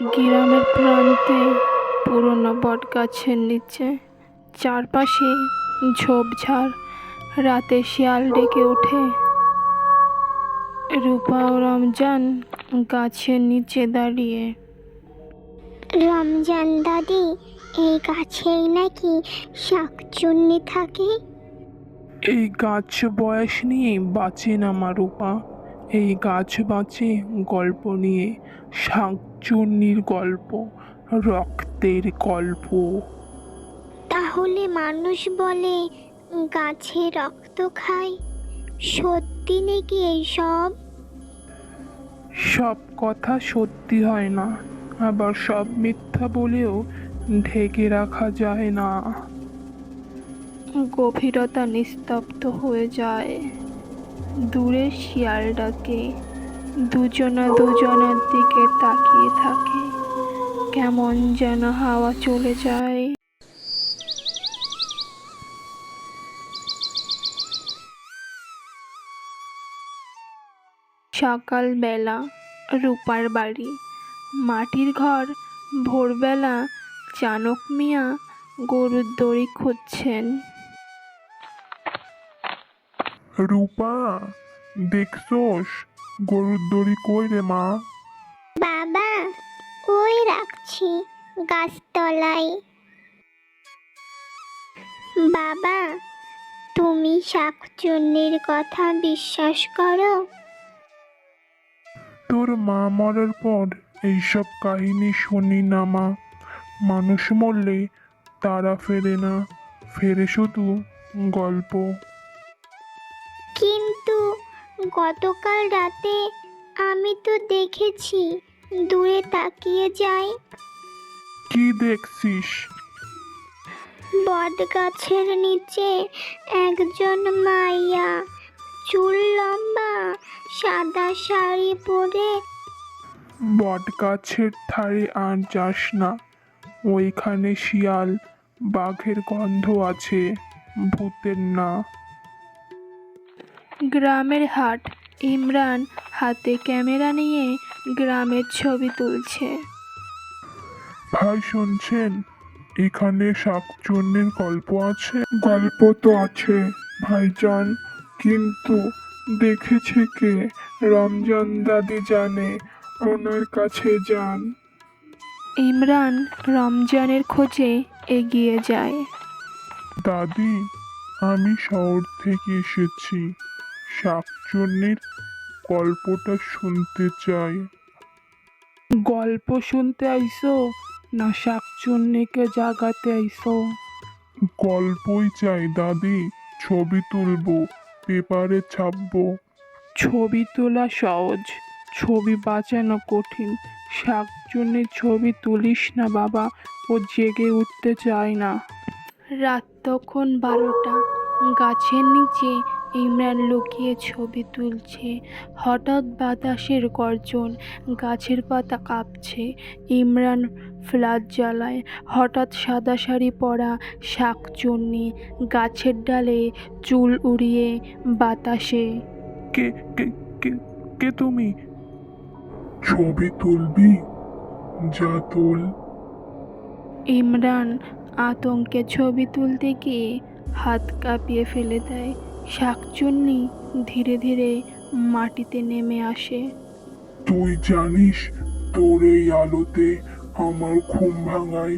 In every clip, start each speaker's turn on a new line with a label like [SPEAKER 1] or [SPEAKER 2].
[SPEAKER 1] গ্রামের প্রান্তে পুরনো বটগাছের নিচে, চারপাশে ঝোপঝাড়। রাতে শিয়াল ডেকে ওঠে। রূপা ও রমজান গাছের নিচে দাঁড়িয়ে।
[SPEAKER 2] রমজান দাদি, এই গাছেই নাকি শাকচুন্নি থাকে?
[SPEAKER 3] এই গাছ বয়স নিয়ে বাঁচে না মা রূপা। এই গাছ বাঁচে গল্প নিয়ে, শাকচুন্নির গল্প, রক্তের গল্প।
[SPEAKER 2] তাহলে মানুষ বলে গাছে রক্ত খায়, সত্যি নাকি এইসব?
[SPEAKER 3] সব কথা সত্যি হয় না, আবার সব মিথ্যা বলেও ঢেকে রাখা যায় না।
[SPEAKER 1] গভীরতা নিস্তব্ধ হয়ে যায়। দূরে শিয়াল ডাকে। দুজনার দিকে তাকিয়ে থাকে। কেমন যেন হাওয়া চলে যায়। সকালবেলা রূপার বাড়ি, মাটির ঘর। ভোরবেলা চানক মিয়া গরুর দড়ি খুঁজছেন।
[SPEAKER 3] রূপা, দেখছোস গরুর দড়ি কই রে মা?
[SPEAKER 2] বাবা, ওই রাখছি গাছতলায়। বাবা, তুমি শাকচুন্নির কথা বিশ্বাস করো?
[SPEAKER 3] তোর মা মরার পর এইসব কাহিনী শুনি না মা। মানুষ মরলে তারা ফেরে না, ফেরে শুধু গল্প।
[SPEAKER 2] কিন্তু গতকাল রাতে আমি তো দেখেছি, দূরে তাকিয়ে যাই।
[SPEAKER 3] কি দেখছিস?
[SPEAKER 2] বট গাছের নিচে একজন মাইয়া, চুল লম্বা, সাদা শাড়ি পরে।
[SPEAKER 3] বট গাছের ধারে আর যাস না, ওইখানে শিয়াল বাঘের গন্ধ আছে, ভূতের না।
[SPEAKER 1] গ্রামের হাট। ইমরান হাতে ক্যামেরা নিয়ে গ্রামের ছবি তুলছে।
[SPEAKER 3] ভাই শুনছেন, এখানে শাকচুন্নির গল্প আছে? গল্প তো আছে ভাইজান, কিন্তু দেখেছে কে? রমজান দাদি জানে, ওনার কাছে যান।
[SPEAKER 1] ইমরান রমজানের খোঁজে এগিয়ে যায়।
[SPEAKER 3] দাদি, আমি শহর থেকে এসেছি, শাকচুন্নির গল্পটা শুনতে চাই। গল্প শুনতে আইসো না শাকচুন্নিকে জাগাতে আইসো? গল্পই চাই দাদি, ছবি তুলবো, পেপারে ছাপবো। ছবি তোলা সহজ, ছবি বাঁচানো কঠিন। শাকচুন্নির ছবি তুলিস না বাবা, ও জেগে উঠতে চায় না।
[SPEAKER 1] রাত তখন 12টা। গাছের নিচে ইমরান লুকিয়ে ছবি তুলছে। হঠাৎ বাতাসের গর্জন, গাছের পাতা কাঁপছে। ইমরান ফ্ল্যাশ জ্বালায়। হঠাৎ সাদা শাড়ি পরা শাকচুন্নি গাছের ডালে চুল উড়িয়ে বাতাসে।
[SPEAKER 3] কে কে কে কে তুমি? ছবি তুলবি? যা তুল।
[SPEAKER 1] ইমরান আতঙ্কে ছবি তুলতে গিয়ে হাত কাঁপিয়ে ফেলে দেয়। শাকচুন্নি ধীরে ধীরে মাটিতে নেমে আসে।
[SPEAKER 3] তুই জানিস তোর এই আলোতে আমার ঘুম ভাঙায়?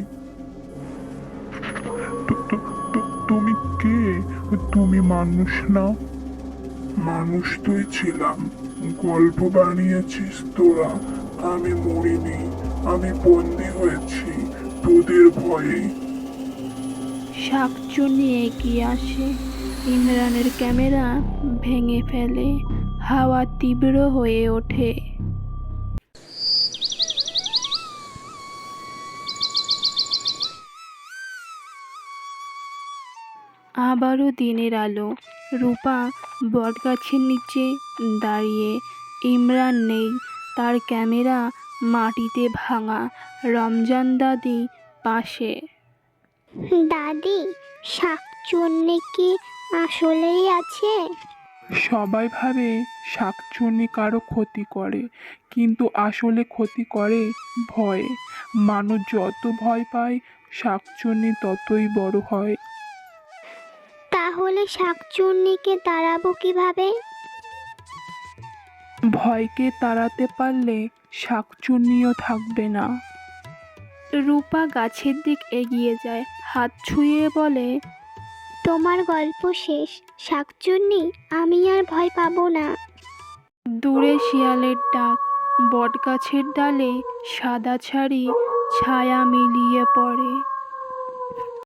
[SPEAKER 3] তুমি কে? তুমি মানুষ না? মানুষ তুই ছিলাম, গল্প বানিয়েছিস তোরা। আমি মরিনি, আমি বন্দি হয়েছি তোদের ভয়ে।
[SPEAKER 1] শাকচুন্নি এগিয়ে আসে। ইমরানের ক্যামেরা ভেঙে ফেলে। হাওয়া তীব্র হয়ে ওঠে। আবারও দিনের আলো। রূপা বটগাছের নিচে দাঁড়িয়ে। ইমরান নেই, তার ক্যামেরা মাটিতে ভাঙা। রমজান দাদি পাশে।
[SPEAKER 2] দাদি, শাকচুন্নি কি আসলেই আছে?
[SPEAKER 3] সবাই ভাবে শাকচুন্নি কারো ক্ষতি করে, কিন্তু আসলে ক্ষতি করে ভয়ে। মানুষ যত ভয় পায় শাকচুন্নি ততই বড় হয়।
[SPEAKER 2] তাহলে শাকচুন্নিকে তাড়াবো কিভাবে?
[SPEAKER 1] ভয়কে তাড়াতে পারলে শাকচুন্নিও থাকবে না। রূপা গাছের দিক এগিয়ে যায়, হাত ছুঁয়ে বলে,
[SPEAKER 2] তোমার গল্প শেষ শাকচুন্নি, আমি আর ভয় পাবো না।
[SPEAKER 1] দূরে শিয়ালের ডাক, বটগাছের ডালে সাদা ছাড়ি ছায়া মিলিয়ে পড়ে।